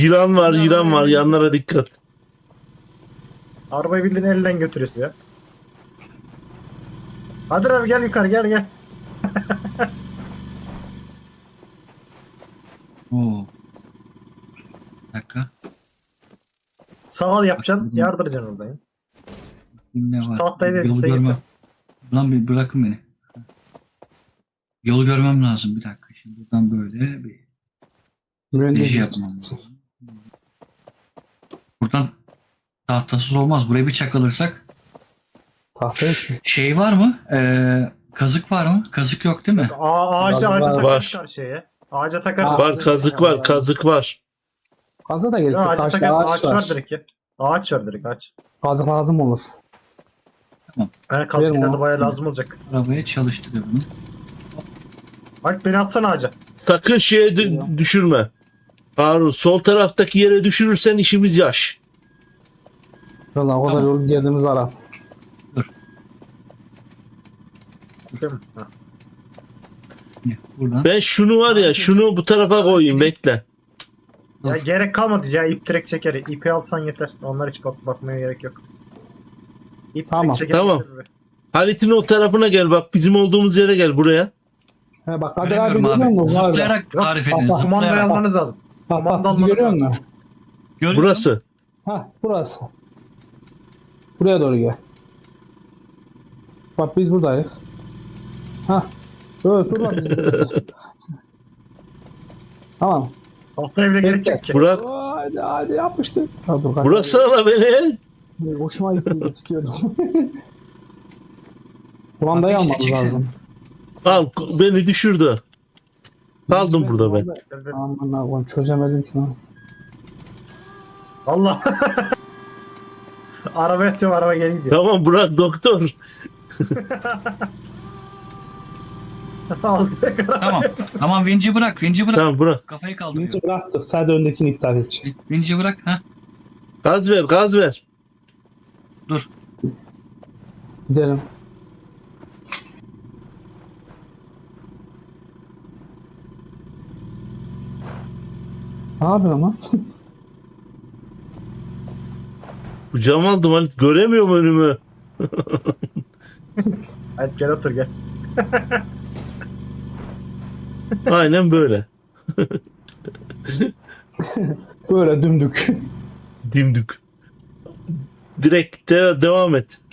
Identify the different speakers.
Speaker 1: Yılan var, yılan var. Yanlara dikkat.
Speaker 2: Arabayı bildiğin elden götürüyorsun ya. Hadi abi gel yukarı gel.
Speaker 3: Oo. Bir dakika.
Speaker 2: Sağ yapacaksın yardıracaksın oradan ya.
Speaker 3: Şimdi ne
Speaker 2: Şu
Speaker 3: var?
Speaker 2: tahtayı da
Speaker 3: Yolu
Speaker 2: elbise
Speaker 3: görmem.
Speaker 2: getir.
Speaker 3: Lan bir bırakın beni. Yolu görmem lazım bir dakika. Şimdi buradan böyle bir reji yapmam lazım. Buradan tahtasız olmaz. Buraya bir çakılırsak.
Speaker 4: Tahta yok ki.
Speaker 3: Şey var mı? Kazık var mı? Kazık yok değil mi?
Speaker 2: Ağaca
Speaker 4: Var.
Speaker 2: takarız karşıya ya. Ağaca takarız.
Speaker 1: Var, kazık var, kazık var.
Speaker 4: Kazı da gerek
Speaker 2: Ya,
Speaker 4: yok.
Speaker 2: ağaca
Speaker 4: Taşta
Speaker 2: takarız.
Speaker 4: ağaç
Speaker 2: Ağaç var
Speaker 4: var.
Speaker 2: direkt ya. Ağaç var direkt ağaç.
Speaker 4: Kazık lazım olur.
Speaker 2: Yani kaskeden
Speaker 4: Verin
Speaker 2: de
Speaker 4: onu.
Speaker 2: bayağı lazım olacak.
Speaker 3: Arabaya çalıştırıyorum.
Speaker 2: Alp beni atsana ağaca.
Speaker 1: Sakın şeye düşürme. Harun, sol taraftaki yere düşürürsen işimiz yaş.
Speaker 4: Valla o kadar
Speaker 3: Tamam.
Speaker 4: yol geldiğimiz ara.
Speaker 2: Değil mi? Ha.
Speaker 3: Buradan.
Speaker 1: Ben şunu var ya, şunu bu tarafa koyayım, bekle.
Speaker 2: Ya
Speaker 3: Dur.
Speaker 2: gerek kalmadı ya ip direkt çeker. İpi alsan yeter. Onlar hiç bakmaya gerek yok. İp
Speaker 4: Tamam.
Speaker 2: direkt çeker.
Speaker 1: Tamam.
Speaker 2: yeter be.
Speaker 1: Halit'in o tarafına gel, bak bizim olduğumuz yere gel, buraya.
Speaker 4: He bak Kadir abi
Speaker 3: Göremiyorum
Speaker 4: görüyor
Speaker 3: abi.
Speaker 4: musun? Var da.
Speaker 3: Zıplayarak
Speaker 2: Yok,
Speaker 3: tarif edin.
Speaker 4: bak, bak.
Speaker 2: Kumandayı
Speaker 3: Zıplayarak.
Speaker 2: almanız lazım.
Speaker 4: Bak
Speaker 2: Kumanda
Speaker 4: bak bizi
Speaker 2: almanız
Speaker 4: görüyor
Speaker 2: lazım.
Speaker 4: musun?
Speaker 3: Görüyorum.
Speaker 1: Burası.
Speaker 4: Ha burası. Buraya doğru gel. Bak biz buradayız. Ha. Evet dur lan biz. Tamam.
Speaker 2: Tahta evle gerek yok ki.
Speaker 1: Burak,
Speaker 4: Hadi yapmıştık. Ha, dur, Kadir
Speaker 1: burası ala beni.
Speaker 4: abi. Hoşuma gitti tutuyordum. Kumandayı
Speaker 3: Abi işte
Speaker 4: almamız
Speaker 3: çeksin.
Speaker 4: lazım.
Speaker 1: Al, beni düşürdü. Kaldım burada ben.
Speaker 4: Aman Allah'ım çözemedim ki lan.
Speaker 2: Allah. Araba yatıyorum araba geri gidiyor.
Speaker 1: Tamam Burak, doktor.
Speaker 2: Al.
Speaker 3: Tamam. Tamam vinci bırak. Vinci bırak.
Speaker 1: Tamam Burak.
Speaker 3: Kafayı kaldırıyor.
Speaker 4: Birinci bıraktık. Sadece öndekini iptal et.
Speaker 3: Vinci bırak. Ha.
Speaker 1: Gaz ver, gaz ver.
Speaker 3: Dur.
Speaker 4: Gidelim. Ne yapıyorsun lan?
Speaker 1: Kucağıma aldım Halit, göremiyorum önümü.
Speaker 2: Hadi gel otur gel.
Speaker 1: Aynen böyle.
Speaker 4: Böyle dümdük.
Speaker 1: Dimdük. Direkt devam et.